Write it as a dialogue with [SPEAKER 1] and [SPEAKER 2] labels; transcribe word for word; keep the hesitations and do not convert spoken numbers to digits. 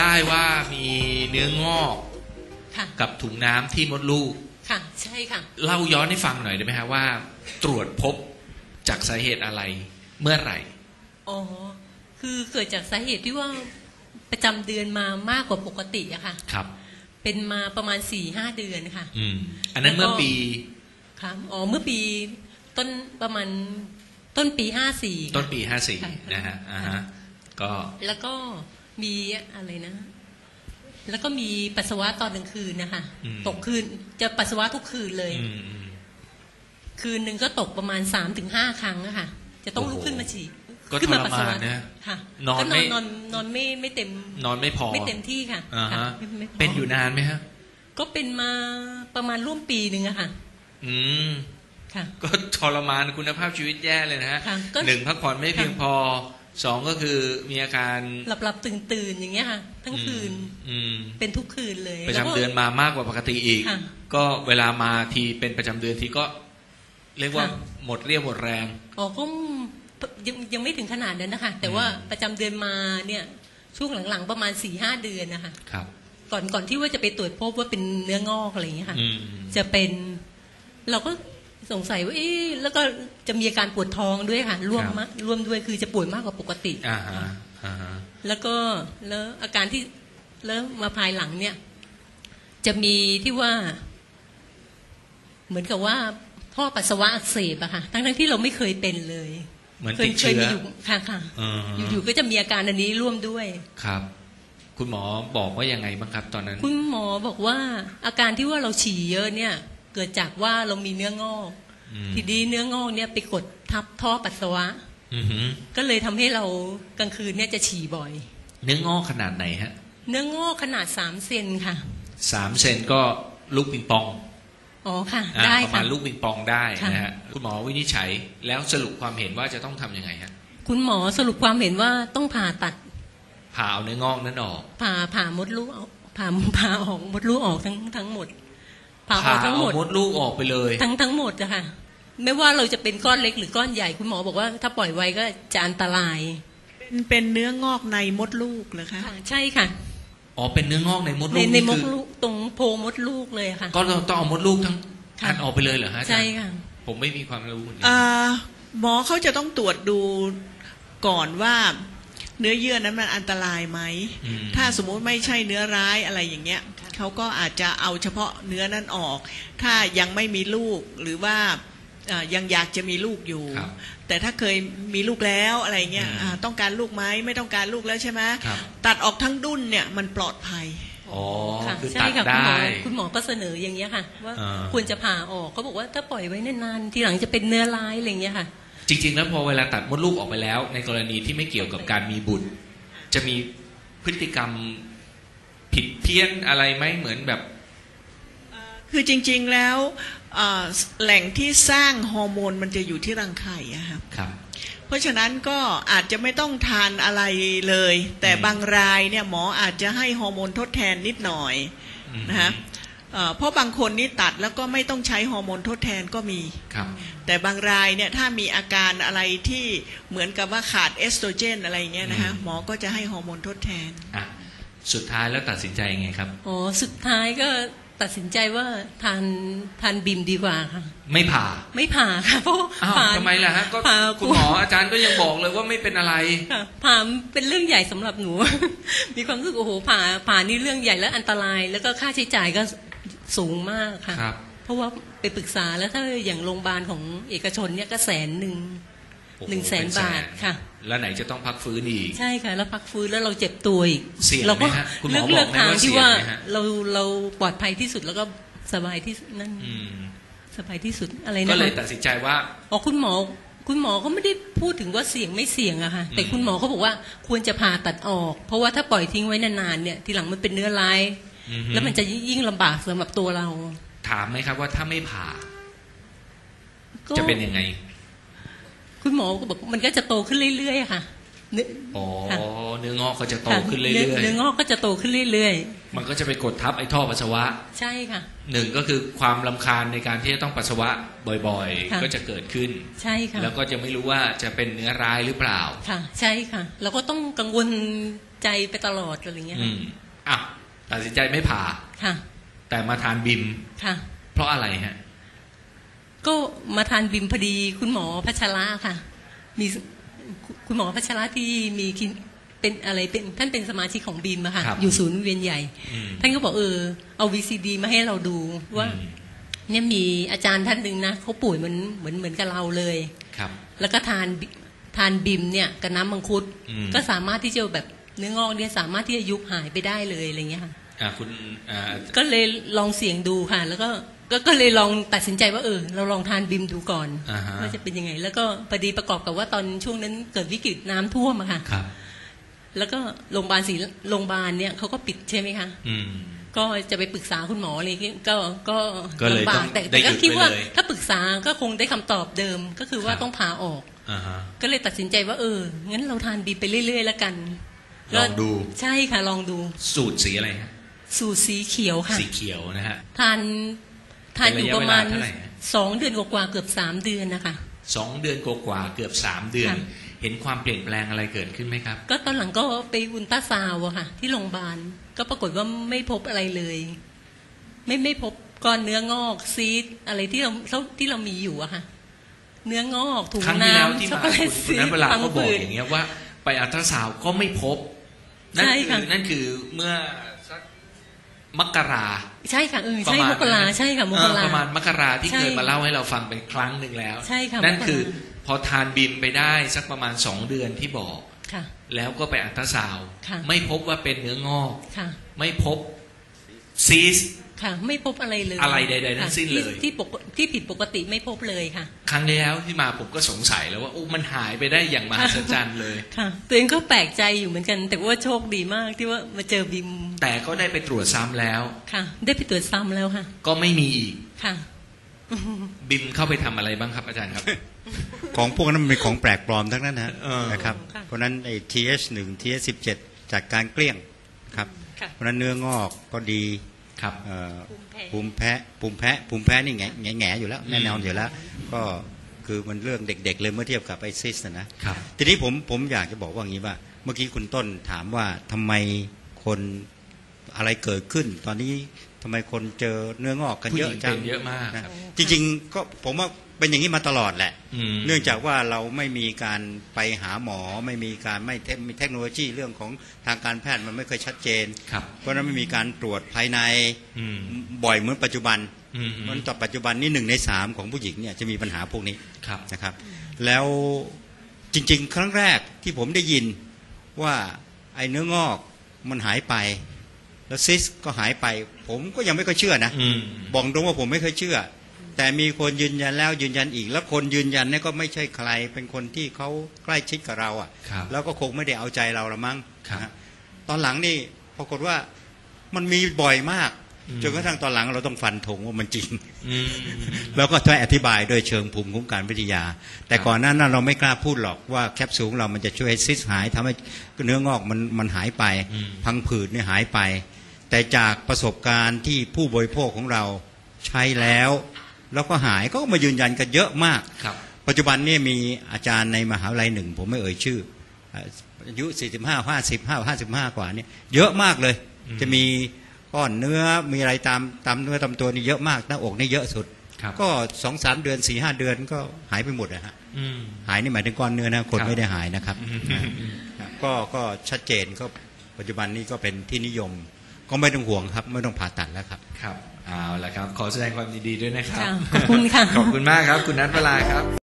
[SPEAKER 1] ได้ว่ามีเนื้องอกกับถุงน้ำที่มดลูก
[SPEAKER 2] ค่ะใช่ค่ะ
[SPEAKER 1] เล่าย้อนให้ฟังหน่อยได้ไหมฮะว่าตรวจพบจากสาเหตุอะไรเมื่อไหร่
[SPEAKER 2] อ๋อคือเกิดจากสาเหตุที่ว่าประจำเดือนมามากกว่าปกติอะค่ะ
[SPEAKER 1] ครับ
[SPEAKER 2] เป็นมาประมาณ สี่ห้า เดือนค่ะ
[SPEAKER 1] อืมอันนั้นเมื่อปี
[SPEAKER 2] ครับอ๋อเมื่อปีต้นประมาณต้นปีห้าสี่
[SPEAKER 1] ต้นปีห้าสี่นะฮะอ่าฮะก็
[SPEAKER 2] แล้วก็มีอะไรนะแล้วก็มีปัสสาวะตอนกลางคืนนะคะตกคืนจะปัสสาวะทุกคืนเลยคืนหนึ่งก็ตกประมาณ สามถึงห้า ครั้งอะค่ะจะต้องลุกขึ้นมาฉี่
[SPEAKER 1] ขึ้นมาปัสสาวะนะ
[SPEAKER 2] ค่ะนอนไม่นอนนอนไม่ไม่เต็ม
[SPEAKER 1] นอนไม่พอ
[SPEAKER 2] ไม่เต็มที่ค่ะ
[SPEAKER 1] เป็นอยู่นานไหมฮะ
[SPEAKER 2] ก็เป็นมาประมาณร่วมปีหนึ่งอะค่ะ
[SPEAKER 1] อืมค่ะก็ทรมานคุณภาพชีวิตแย่เลยนะฮะหนึ่งพักผ่อนไม่เพียงพอสองก็คือมีอาการ
[SPEAKER 2] หลับหลับตื่นตื่นอย่างเงี้ยค่ะทั้งคืนเป็นทุกคืนเลย
[SPEAKER 1] ประจำเดือนมามากกว่าปกติอีกก็เวลามาทีเป็นประจำเดือนทีก็เรียกว่าหมดเรี่ยวหมดแรง
[SPEAKER 2] อ๋อก็ยังยังไม่ถึงขนาดนั้นนะคะแต่ว่าประจำเดือนมาเนี่ยช่วงหลังๆประมาณ สี่ห้า เดือนนะคะ
[SPEAKER 1] ครับ
[SPEAKER 2] ก่อนก่อนที่ว่าจะไปตรวจพบว่าเป็นเนื้องอกอะไรอย่างเงี้ยค่ะจะเป็นเราก็สงสัยว่าเอ๊ะแล้วก็จะมีอาการปวดท้องด้วยค่ะร่วมมะร่วมด้วยคือจะปวดมากกว่าปกติ
[SPEAKER 1] อ่าฮะอ่าฮะ
[SPEAKER 2] แล้วก็แล้วอาการที่แล้วมาภายหลังเนี่ยจะมีที่ว่าเหมือนกับว่าท่อปัสสาวะอักเสบอะค่ะทั้งทั้งที่เราไม่เคยเป็นเลย
[SPEAKER 1] เหมือนติดเชื้อ
[SPEAKER 2] อยู่ค่ะค่ะอยู่ๆก็จะมีอาการอันนี้ร่วมด้วย
[SPEAKER 1] ครับคุณหมอบอกว่ายังไงบ้างครับตอนนั้น
[SPEAKER 2] คุณหมอบอกว่าอาการที่ว่าเราฉี่เยอะเนี่ยเกิดจากว่าเรามีเนื้องอกทีนี้เนื้องอกเนี่ยไปกดทับท่อปัสสาวะก็เลยทำให้เรากลางคืนเนี่ยจะฉี่บ่อย
[SPEAKER 1] เนื้องอกขนาดไหนฮะ
[SPEAKER 2] เนื้องอกขนาดสามเซนค่ะ
[SPEAKER 1] สามเซนก็ลูกปิงปอง
[SPEAKER 2] อ๋อค่ะได้
[SPEAKER 1] ประมาณลูกปิงปองได้นะฮะคุณหมอวินิจฉัยแล้วสรุปความเห็นว่าจะต้องทำยังไงฮะ
[SPEAKER 2] คุณหมอสรุปความเห็นว่าต้องผ่าตัด
[SPEAKER 1] ผ่าเอาเนื้องอกนั้นออก
[SPEAKER 2] ผ่าผ่ามดลูกผ่าผ่าออกมดลูกออกทั้งทั้งหมด
[SPEAKER 1] ผ่าเอามดลูกออกไปเลย
[SPEAKER 2] ทั้งทั้งหมดอะค่ะไม่ว่าเราจะเป็นก้อนเล็กหรือก้อนใหญ่คุณหมอบอกว่าถ้าปล่อยไว้ก็จะอันตราย
[SPEAKER 3] เป็นเนื้องอกในมดลูกเหรอคะ
[SPEAKER 2] ใช่ค่ะ
[SPEAKER 1] อ๋อเป็นเนื้องอกในมดลูก
[SPEAKER 2] ในมดลูกตรงโพรงมดลูกเลยค่ะ
[SPEAKER 1] ก็ต้องเอามดลูกทั้งอันออกไปเลยเหรอฮะ
[SPEAKER 2] ใช่ค่ะ
[SPEAKER 1] ผมไม่มีความรู้
[SPEAKER 3] หมอเขาจะต้องตรวจดูก่อนว่าเนื้อเยื่อนั้นมันอันตรายไหมถ้าสมมุติไม่ใช่เนื้อร้ายอะไรอย่างเงี้ยเขาก็อาจจะเอาเฉพาะเนื้อนั้นออกถ้ายังไม่มีลูกหรือว่ายังอยากจะมีลูกอยู่แต่ถ้าเคยมีลูกแล้วอะไรเงี้ยต้องการลูกไหมไม่ต้องการลูกแล้วใช่ไหมตัดออกทั้งดุ้นเนี่ยมันปลอดภัย
[SPEAKER 1] อ๋อคือ
[SPEAKER 2] ตั
[SPEAKER 1] ดได้
[SPEAKER 2] คุณหมอก็เสนออย่างเงี้ยค่ะว่าควรจะผ่าออกเขาบอกว่าถ้าปล่อยไว้นานๆทีหลังจะเป็นเนื้อร้ายอะไรเงี้ยค่ะ
[SPEAKER 1] จริงๆแล้วพอเวลาตัดมดลูกออกไปแล้วในกรณีที่ไม่เกี่ยวกับการมีบุตรจะมีพฤติกรรมผิดเพี้ยนอะไรไหมเหมือนแบบ
[SPEAKER 3] คือจริงๆแล้วแหล่งที่สร้างฮอร์โมนมันจะอยู่ที่รังไข่อะครับเพราะฉะนั้นก็อาจจะไม่ต้องทานอะไรเลยแต่บางรายเนี่ยหมออาจจะให้ฮอร์โมนทดแทนนิดหน่อยนะฮะเพราะบางคนนี่ตัดแล้วก็ไม่ต้องใช้ฮอร์โมนทดแทนก็มีแต่บางรายเนี่ยถ้ามีอาการอะไรที่เหมือนกับว่าขาดเอสโตรเจนอะไรเงี้ยนะฮะหมอก็จะให้ฮอร์โมนทดแทน
[SPEAKER 1] สุดท้ายแล้วตัดสินใจยังไงครับ
[SPEAKER 2] อ๋อสุดท้ายก็ตัดสินใจว่าทานทานบิมดีกว่าค่ะ
[SPEAKER 1] ไม่ผ่า
[SPEAKER 2] ไม่ผ่าค่ะเพราะ
[SPEAKER 1] ผ่าทำไมล่ะฮะก็คุณหมออาจารย์ก็ยังบอกเลยว่าไม่เป็นอะไร
[SPEAKER 2] ผ่าเป็นเรื่องใหญ่สำหรับหนูมีความรู้สึกโอ้โหผ่าผ่านี่เรื่องใหญ่และอันตรายแล้วก็ค่าใช้จ่ายก็สูงมากค่ะเพราะว่าไปปรึกษาแล้วถ้าอย่างโรงพยาบาลของเอกชนเนี่ยก็แสนหนึ่งหนึ่งแสนบาทค่ะ
[SPEAKER 1] แล้วไหนจะต้องพักฟื้นอีก
[SPEAKER 2] ใช่ค่ะแล้วพักฟื้นแล้วเราเจ็บตัวอีก
[SPEAKER 1] เราก็
[SPEAKER 2] เลือกเลือกทางที่ว่าเราเราปลอดภัยที่สุดแล้วก็สบายที่นั่นสบายที่สุดอะไรนะ
[SPEAKER 1] ก็เลยตัดสินใจว่า
[SPEAKER 2] อ๋อคุณหมอคุณหมอก็ไม่ได้พูดถึงว่าเสี่ยงไม่เสี่ยงอะค่ะแต่คุณหมอเขาบอกว่าควรจะผ่าตัดออกเพราะว่าถ้าปล่อยทิ้งไว้นานๆเนี่ยทีหลังมันเป็นเนื้อร้ายแล้วมันจะยิ่งลำบากสำหรับตัวเรา
[SPEAKER 1] ถามไหมครับว่าถ้าไม่ผ่าจะเป็นยังไง
[SPEAKER 2] คุณหมอก็บอกมันก็จะโตขึ้นเรื่อยๆค่ะเนื้อ
[SPEAKER 1] อ๋อ
[SPEAKER 2] ค่ะ
[SPEAKER 1] เนื้องอกก็จะโต
[SPEAKER 2] ค่ะ
[SPEAKER 1] ขึ้นเรื่
[SPEAKER 2] เนื้
[SPEAKER 1] อย
[SPEAKER 2] เนื้องอกก็จะโตขึ้นเรื่อย
[SPEAKER 1] ๆมันก็จะไปกดทับไอ้ท่อปัสสาวะ
[SPEAKER 2] ๆใช่ค่ะ
[SPEAKER 1] หนึ่งก็คือความรำคาญในการที่จะต้องปัสสาวะบ่อย
[SPEAKER 2] ค่ะ
[SPEAKER 1] ๆ ก็จะเกิดขึ้น
[SPEAKER 2] ใช่ค่ะ
[SPEAKER 1] แล้วก็จะไม่รู้ว่าจะเป็นเนื้อร้ายหรือเปล่า
[SPEAKER 2] ค่ะ ใช่ค่ะเราก็ต้องกังวลใจไปตลอดอะไรเงี้ย
[SPEAKER 1] อืมอ่ะตัดสินใจไม่ผ่า
[SPEAKER 2] ค่ะ
[SPEAKER 1] แต่มาทานบิม
[SPEAKER 2] ค่ะ
[SPEAKER 1] เพราะอะไรฮะ
[SPEAKER 2] ก็มาทานบิมพอดีคุณหมอพัชระค่ะ มีคุณหมอพัชระที่มีคลินเป็นอะไรเป็นท่านเป็นสมาชิกของบิมอะค่ะ
[SPEAKER 1] ครับ
[SPEAKER 2] อยู่ศูนย์เวียนใหญ่
[SPEAKER 1] อืม
[SPEAKER 2] ท่านก็บอกเออเอาวีซีดีมาให้เราดูว่า
[SPEAKER 1] อืม
[SPEAKER 2] เนี่ยมีอาจารย์ท่านหนึ่งนะเขาป่วยเหมือนเหมือนเหมือนกับเราเลย
[SPEAKER 1] ครับ
[SPEAKER 2] แล้วก็ทานบิทานบิมเนี่ยกับน้ำมังคุด
[SPEAKER 1] อืม
[SPEAKER 2] ก็สามารถที่จะแบบเนื้องอกเนี่ยสามารถที่จะยุบหายไปได้เลยอะไรเงี้ยค่ะ
[SPEAKER 1] อ่ะคุณอ่า
[SPEAKER 2] ก็เลยลองเสี่ยงดูค่ะ แล้วก็ก็ก็เลยลองตัดสินใจว่าเออเราลองทานบิมดูก่อน
[SPEAKER 1] อ่าฮะ
[SPEAKER 2] ว่าจะเป็นยังไง แล้วก็พอดีประกอบกับว่าตอนช่วงนั้นเกิดวิกฤตน้ำท่วมอะค่ะ
[SPEAKER 1] ครับ
[SPEAKER 2] แล้วก็โรงพยาบาลศรีโรงพยาบาลเนี่ยเขาก็ปิดใช่ไหมคะ
[SPEAKER 1] อืม
[SPEAKER 2] ก็จะไปปรึกษาคุณหมออะไรอย่างเงี้ยก็ก็
[SPEAKER 1] ก็เลย
[SPEAKER 2] ลำบา
[SPEAKER 1] ต้
[SPEAKER 2] ก
[SPEAKER 1] อง
[SPEAKER 2] แต่
[SPEAKER 1] ได้
[SPEAKER 2] แต่ก็
[SPEAKER 1] หยุด
[SPEAKER 2] คิดว่า
[SPEAKER 1] ไปเลย
[SPEAKER 2] ถ้าปรึกษาก็คงได้คำตอบเดิมก็คือว่า
[SPEAKER 1] ครับ
[SPEAKER 2] ต้องผ่าออก
[SPEAKER 1] อ่าฮะ
[SPEAKER 2] ก็เลยตัดสินใจว่าเอองั้นเราทานบีไปเรื่อยๆแล้วกัน
[SPEAKER 1] ลองดู
[SPEAKER 2] ใช่ค่ะลองดู
[SPEAKER 1] สูตรสีอะไรฮะ
[SPEAKER 2] สูตรสีเขียวค่ะ
[SPEAKER 1] สีเขียวนะฮะ
[SPEAKER 2] ทานทานอยู่ประมาณ
[SPEAKER 1] เป็นระยะเวลาเท่าไหร่ฮะ
[SPEAKER 2] สองเดือนกว่าๆเกือบสามเดือนนะคะ
[SPEAKER 1] สองเดือนกว่าๆเกือบสามเดือน
[SPEAKER 2] ค่ะ
[SPEAKER 1] เห็นความเปลี่ยนแปลงอะไรเกิดขึ้นไหมครับ
[SPEAKER 2] ก็ตอนหลังก็ไปอุลตราซาวด์อะค่ะ ที่โรงพยาบาลก็ปรากฏว่าไม่พบอะไรเลย ไม่ไม่พบก้อนเนื้องอกซีดอะไรที่เราที่เรามีอยู่อะค่ะ เนื้องอกถุง
[SPEAKER 1] ครั้งที่แล้ว
[SPEAKER 2] น้ำ
[SPEAKER 1] ที่
[SPEAKER 2] ช็อก
[SPEAKER 1] มา
[SPEAKER 2] โกแล
[SPEAKER 1] คุ
[SPEAKER 2] ต
[SPEAKER 1] ณคุ
[SPEAKER 2] ซี
[SPEAKER 1] ณนั้น
[SPEAKER 2] ด
[SPEAKER 1] เวลา
[SPEAKER 2] พัง
[SPEAKER 1] ก็บอก
[SPEAKER 2] ผืด
[SPEAKER 1] อย่างเงี้ยว่าไปอัลตราซาวด์ก็ไม่พบ นั่น
[SPEAKER 2] ใช่
[SPEAKER 1] คื
[SPEAKER 2] ค่ะ
[SPEAKER 1] อนั่นคือเมื่อสักมกรา
[SPEAKER 2] ใช่ค่ะเออ
[SPEAKER 1] ประ
[SPEAKER 2] ใช่
[SPEAKER 1] มาณ
[SPEAKER 2] มกรา
[SPEAKER 1] นั้น
[SPEAKER 2] ใช่ค่ะม
[SPEAKER 1] เอก อ
[SPEAKER 2] รา
[SPEAKER 1] ประมาณมกราที่
[SPEAKER 2] ใช่
[SPEAKER 1] เคยมาเล่าให้เราฟังเป็นครั้งหนึ่งแล้ว
[SPEAKER 2] ใช่ค่ะ
[SPEAKER 1] นั่น
[SPEAKER 2] มกรา
[SPEAKER 1] คือพอทานบิมไปได้สักประมาณสองเดือนที่บอก
[SPEAKER 2] ค่ะ
[SPEAKER 1] แล้วก็ไปอัลตราซาวด์
[SPEAKER 2] ค่ะ
[SPEAKER 1] ไม่พบว่าเป็นเนื้องอก
[SPEAKER 2] ค่ะ
[SPEAKER 1] ไม่พบซีส
[SPEAKER 2] ค่ะ ไม่พบอะไรเลย
[SPEAKER 1] อะไรใดๆทั้งสิ้นเลย
[SPEAKER 2] ที่ที่ปกที่ผิดปกติไม่พบเลยค่ะ
[SPEAKER 1] ครั้งที่แล้วที่มาผมก็สงสัยแล้วว่าโอ้มันหายไปได้อย่างมหัศจรรย์เลย
[SPEAKER 2] ค่ะตัวเองก็แปลกใจอยู่เหมือนกัน แต่ว่าโชคดีมากที่ว่ามาเจอบิม
[SPEAKER 1] แต่ก็ได้ไปตรวจซ้ำแล้ว
[SPEAKER 2] ค่ะ ได้ไปตรวจซ้ำแล้วค่ะ
[SPEAKER 1] ก็ไม่มีอีก
[SPEAKER 2] ค่ะ
[SPEAKER 1] บิมเข้าไปทำอะไรบ้างครับอาจารย์ครับ
[SPEAKER 4] ของพวกนั้นมันเป็นของแปลกปลอมทั้งนั้นนะ
[SPEAKER 1] เออ
[SPEAKER 4] นะครับ
[SPEAKER 2] ค่ะ
[SPEAKER 4] เพราะฉะนั้นไอ้ ที เอช หนึ่ง ที เอช สิบเจ็ด จากการเกลี้ยงครับ
[SPEAKER 2] ค่ะ
[SPEAKER 4] เพราะฉะนั้นเนื้องอกก็ดี
[SPEAKER 1] ครับ
[SPEAKER 4] เอ่อ
[SPEAKER 2] ภู
[SPEAKER 4] ภู
[SPEAKER 2] มิ
[SPEAKER 4] มิ
[SPEAKER 2] แพ้
[SPEAKER 4] แพ้ภูมิแพ้ภูมิแพ้นี่แง่แง่แง่อยู่แล้ว
[SPEAKER 1] อืม
[SPEAKER 4] แน่นอนอยู่แล้ว ก็คือมันเรื่องเด็กๆเลยเมื่อเทียบกับไอซิสนะนะ
[SPEAKER 1] ครับ
[SPEAKER 4] ทีนี้ผมผมอยากจะบอกว่าอย่างนี้ว่า เมื่อกี้คุณต้นถามว่าทำไมคนอะไรเกิดขึ้น ตอนนี้ทำไมคนเจอเนื้องอกกัน
[SPEAKER 1] ผู้
[SPEAKER 4] เย
[SPEAKER 1] ห
[SPEAKER 4] อะ
[SPEAKER 1] ญิง
[SPEAKER 4] จั
[SPEAKER 1] เป็
[SPEAKER 4] ง
[SPEAKER 1] นเยอะมาก
[SPEAKER 4] นะจริงๆก็ผมว่าเป็นอย่างนี้มาตลอดแหละ
[SPEAKER 1] อืม
[SPEAKER 4] เนื่องจากว่าเราไม่มีการไปหาหมอไม่มีการไม่เทคมีเทคโนโลยีเรื่องของทางการแพทย์มันไม่เคยชัดเจน
[SPEAKER 1] ครับ
[SPEAKER 4] เพราะฉะนั้นไม่มีการตรวจภายใน
[SPEAKER 1] อืม
[SPEAKER 4] บ่อยเหมือนปัจจุบัน
[SPEAKER 1] อืม
[SPEAKER 4] มันต่อปัจจุบันนี่หนึ่งในสามของผู้หญิงเนี่ยจะมีปัญหาพวกนี้
[SPEAKER 1] ครับ
[SPEAKER 4] นะครับ แล้วจริงๆ ครั้งแรกที่ผมได้ยินว่าไอ้เนื้องอกมันหายไป แล้วซิสก็หายไป ผมก็ยังไม่ค่อยเชื่อนะ
[SPEAKER 1] อืม
[SPEAKER 4] บอกตรงว่าผมไม่เคยเชื่อ แต่มีคนยืนยันแล้วยืนยันอีก แล้วคนยืนยันเนี่ยก็ไม่ใช่ใคร เป็นคนที่เขาใกล้ชิดกับเราอ่ะ
[SPEAKER 1] ครับ
[SPEAKER 4] แล้วก็คงไม่ได้เอาใจเราละมั้ง
[SPEAKER 1] ครับ
[SPEAKER 4] นะฮะตอนหลังนี่ปรากฏว่ามันมีบ่อยมาก
[SPEAKER 1] อืม
[SPEAKER 4] จนกระทั่งตอนหลังเราต้องฟันธงว่ามันจริง
[SPEAKER 1] อืม
[SPEAKER 4] แล้วก็ช่วยอธิบายโดยเชิงภูมิคุ้มกันวิทยา แต่
[SPEAKER 1] ครับ
[SPEAKER 4] ก่อนหน้านั้นเราไม่กล้าพูดหรอกว่าแคปซูลของเรามันจะช่วยให้ซิสหายทำให้เนื้องอกมันมันหายไป
[SPEAKER 1] อืม
[SPEAKER 4] พังผืดเนี่ยหายไป แต่จากประสบการณ์ที่ผู้บริโภคของเราใช้แล้ว แล้วก็หายก็มายืนยันกันเยอะมาก
[SPEAKER 1] ครับ
[SPEAKER 4] ปัจจุบันเนี่ยมีอาจารย์ในมหาวิทยาลัยหนึ่ง ผมไม่เอ่ยชื่ออายุสี่สิบห้า ห้าสิบห้า ห้าสิบห้ากว่าเนี่ยเยอะมากเลย
[SPEAKER 1] อืม
[SPEAKER 4] จะมีก้อนเนื้อมีอะไรตามตามเนื้อตามตัวนี่เยอะมากหน้าอกนี่เยอะสุด
[SPEAKER 1] ครับ
[SPEAKER 4] ก็สองสามเดือนสี่ห้าเดือนก็หายไปหมดนะฮะ
[SPEAKER 1] อืม
[SPEAKER 4] หายนี่หมายถึงก้อนเนื้อนะคน
[SPEAKER 1] ครับ
[SPEAKER 4] ไม่ได้หายนะครับ
[SPEAKER 1] อืม
[SPEAKER 4] นะก็ก็ชัดเจนก็ปัจจุบันนี้ก็เป็นที่นิยม ก็ไม่ต้องห่วงครับ ไม่ต้องผ่าตัดแล้วครับ
[SPEAKER 1] ครับเอาละครับ ขอแสดงความยินดีด้วยนะครับ
[SPEAKER 2] ค่ะขอบคุณค่ะ
[SPEAKER 1] ขอบคุณมากครับ คุณนัทเวลาครับ